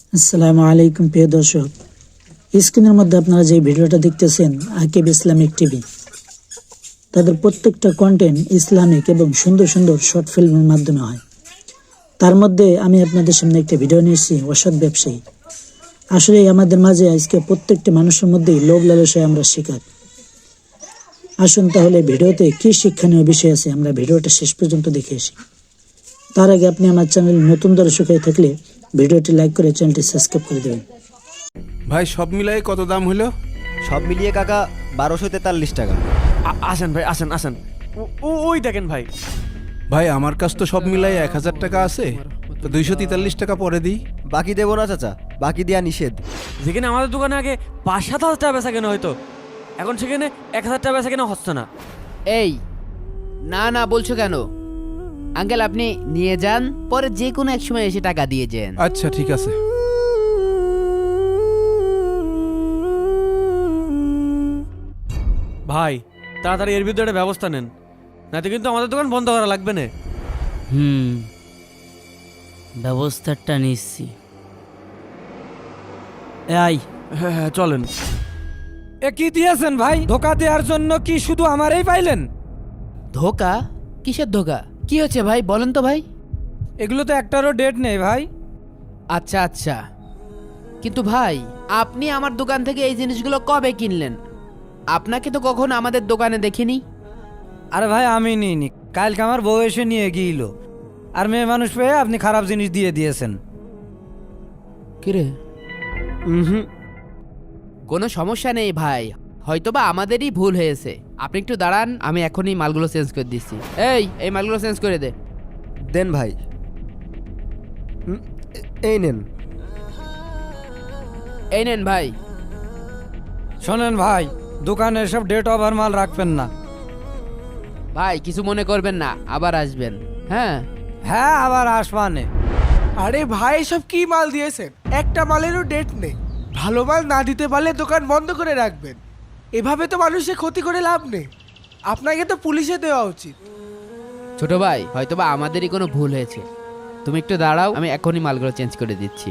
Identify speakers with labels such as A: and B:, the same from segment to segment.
A: আসসালামু আলাইকুম প্রিয় দর্শক, স্ক্রিনের মধ্যে আপনারা যে ভিডিওটা দেখতেছেন আকিব ইসলামিক টিভি, তাদের প্রত্যেকটা কন্টেন্ট ইসলামিক এবং সুন্দর সুন্দর শর্ট ফিল্মের মাধ্যমে হয়। তার মধ্যে আমি আপনাদের সামনে একটা ভিডিও নিয়েছি অসৎ ব্যবসায়ী। আসলে আমাদের মাঝে আজকে প্রত্যেকটি মানুষের মধ্যেই লোভ লালসায় আমরা শিকার। আসুন তাহলে ভিডিওতে কি শিক্ষণীয় বিষয় আছে আমরা ভিডিওটা শেষ পর্যন্ত দেখে আসি। তার আগে আপনি আমার চ্যানেল নতুন দর্শক হয়ে থাকলে ভিডিওটি লাইক করে চ্যানেলটি সাবস্ক্রাইব করে দেবেন।
B: ভাই সব মিলাই কত দাম হলো?
C: সব মিলিয়ে কাকা 1243 টাকা।
D: আসেন ভাই, আসেন আসেন। ওই দেখেন ভাই।
B: ভাই আমার কাছ তো সব মিলাই 1000 টাকা আছে, তো 243 টাকা পরে দিই।
C: বাকি দেবো না চাচা, বাকি দেওয়া নিষেধ।
D: যেখানে আমাদের দোকানে আগে 5-7 হাজার টাকা বেচা কেনা হয়তো, এখন সেখানে 1,000 টাকা বেচা কেনা হচ্ছে না।
E: এই না না বলছো কেন আঙ্কেল? আপনি নিয়ে যান, পরে যে কোনো এক সময় এসে টাকা দিয়ে যান।
B: আচ্ছা ঠিক আছে।
D: ভাই তাড়াতাড়ি এর ভিতরে একটা ব্যবস্থা নেন, নাতে কিন্তু আমাদের দোকান বন্ধ করা লাগবে না।
F: ব্যবস্থাটা নিচ্ছি। এই
D: হ্যাঁ হ্যাঁ চলেন।
G: এ কি দিয়েছেন ভাই? ধোকা দেওয়ার জন্য কি শুধু আমারই পাইলেন?
E: ধোকা? কিসের ধোকা? কি হচ্ছে ভাই বলেন তো ভাই।
G: এগুলো তো একটারও ডেট নেই ভাই।
E: আচ্ছা আচ্ছা, কিন্তু ভাই আপনি আমার দোকান থেকে এই জিনিসগুলো কবে কিনলেন? আপনাকে তো কখনো আমাদের দোকানে দেখিনি।
G: আরে ভাই আমি নিইনি, কালকে আমার বউ এসে নিয়ে গিয়েছিল, আর মেয়ে মানুষ পেয়ে আপনি খারাপ জিনিস দিয়ে দিয়েছেন।
E: কিরে? কোনো সমস্যা নেই ভাই, হয়তোবা আমাদেরই ভুল হয়েছে। আপনি একটু দাঁড়ান, আমি এখনই মালগুলো চেঞ্জ করে দিচ্ছি। এই মালগুলো চেঞ্জ করে দে।
C: দেন ভাই। এই নেন।
E: এই নেন ভাই।
G: শোনেন ভাই, দোকানে সব ডেট ওভার মাল রাখবেন না।
E: ভাই কিছু মনে করবেন না, আবার আসবেন। হ্যাঁ
G: হ্যাঁ আবার আসবানে।
H: আরে ভাই সব কি মাল দিয়েছেন? একটা মালেরও ডেট নেই। ভালো মাল না দিতে পারলে দোকান বন্ধ করে রাখবেন। এভাবে তো মানুষের ক্ষতি করে লাভ নেই। আপনাকে তো পুলিশে দেওয়া উচিত।
E: ছোট ভাই, হয়তোবা আমাদেরই কোনো ভুল হয়েছে। তুমি একটু দাঁড়াও, আমি এখনই মালগুলো চেঞ্জ করে দিচ্ছি।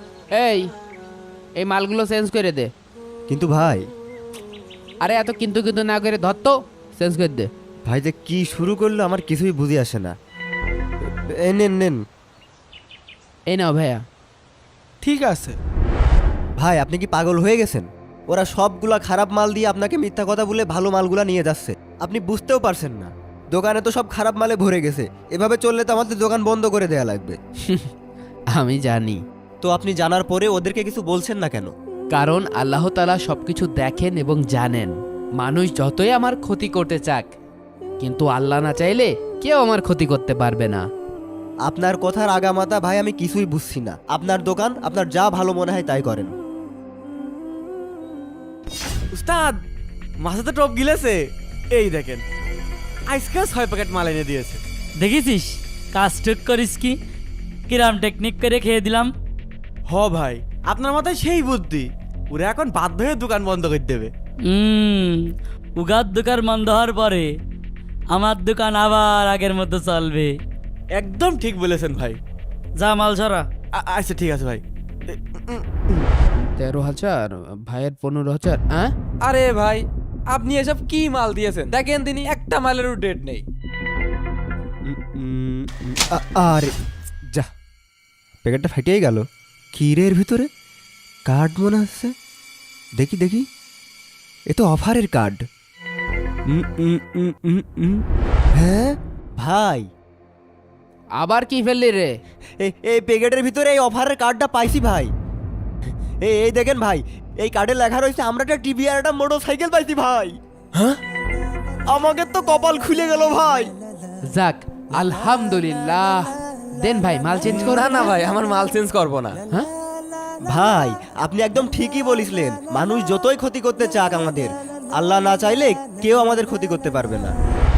E: এই মালগুলো চেঞ্জ করে দে।
C: কিন্তু ভাই,
E: আরে এত কিন্তু কিন্তু না করে ধর তো, চেঞ্জ করে দে।
C: ভাই যে কি শুরু করলো আমার কিছুই বুঝে আসে না। এই নেন নেন।
E: এই নাও ভাইয়া।
H: ঠিক আছে।
C: ভাই আপনি কি পাগল হয়ে গেছেন? ওরা সবগুলা খারাপ মাল দিয়ে আপনাকে মিথ্যা কথা বলে ভালো মালগুলা নিয়ে যাচ্ছে। আপনি বুঝতেও পারছেন না, দোকানে তো সব খারাপ মালে ভরে গেছে। এভাবে চললে তো আমাদের দোকান বন্ধ করে দেয়া লাগবে।
E: আমি জানি,
C: তো আপনি জানার পরে ওদেরকে কিছু বলছেন না কেন?
E: কারণ আল্লাহ তাআলা সবকিছু দেখেন এবং জানেন। মানুষ যতই আমার ক্ষতি করতে চাক, কিন্তু আল্লাহ না চাইলে কেউ আমার ক্ষতি করতে পারবে না।
C: আপনার কথার আগামাতা ভাই আমি কিছুই বুঝছি না। আপনার দোকান, আপনার যা ভালো মনে হয় তাই করেন।
D: উস্তাদ মাথাতে টপ গিলেছে, এই দেখেন আজকাল 6 প্যাকেট মাল এনে দিয়েছে।
F: দেখেছিস কাজ ঠিক করিস কি? কিরাম টেকনিক করে খেয়ে দিলাম।
D: হ ভাই, আপনার মাথায় সেই বুদ্ধি, ওরা এখন বাধ্য হয়ে দোকান বন্ধ করে দেবে।
F: উগার দোকান বন্ধ হওয়ার পরে আমার দোকান আবার আগের মতো চলবে।
D: একদম ঠিক বলেছেন ভাই।
F: যা মাল ছড়া।
D: আচ্ছা ঠিক আছে ভাই।
E: 13,000, ভাইয়ের 15,000। হ্যাঁ
G: আরে ভাই আপনি এসব কি মাল দিয়েছেন? দেখেন তিনি একটা মালেরও ডেট নেই।
C: আরে যা, প্যাকেটটা ফাটিয়েই গেল। কি রে এর ভিতরে? কার্ড মনে হচ্ছে। দেখি দেখি, এ তো অফারের কার্ড। হ্যাঁ ভাই,
E: আবার কি ফেললি রে?
C: এই প্যাকেটের ভিতরে এই অফারের কার্ডটা পাইছি ভাই। এই দেখেন ভাই, এই কার্ডে লেখা রয়েছে আমরা একটা টিভি আর একটা মোটরসাইকেল পাইছি ভাই। হ্যাঁ, আমাকে তো কপাল খুলে গেল ভাই।
E: যাক আলহামদুলিল্লাহ। দেন ভাই মাল চেঞ্জ করো।
D: না ভাই, আমার মাল চেঞ্জ করবো না।
E: হ্যাঁ
C: ভাই আপনি একদম ঠিকই বলেছিলেন, মানুষ যতই ক্ষতি করতে চাক আমাদের, আল্লাহ না চাইলে কেউ আমাদের ক্ষতি করতে পারবে না।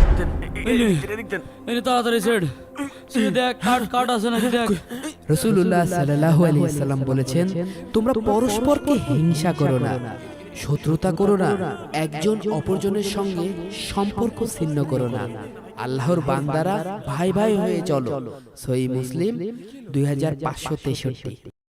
F: এই তাড়াতাড়ি সেট দেখ, কাট আছে নাকি দেখ।
E: রাসূলুল্লাহ সাল্লাল্লাহু আলাইহি সাল্লাম বলেছেন, তোমরা পরস্পরকে হিংসা করো না, শত্রুতা করো না, একজন অপরজনের সঙ্গে সম্পর্ক ছিন্ন করো না। আল্লাহর বান্দারা ভাই ভাই হয়ে চলো। সহিহ মুসলিম 2563।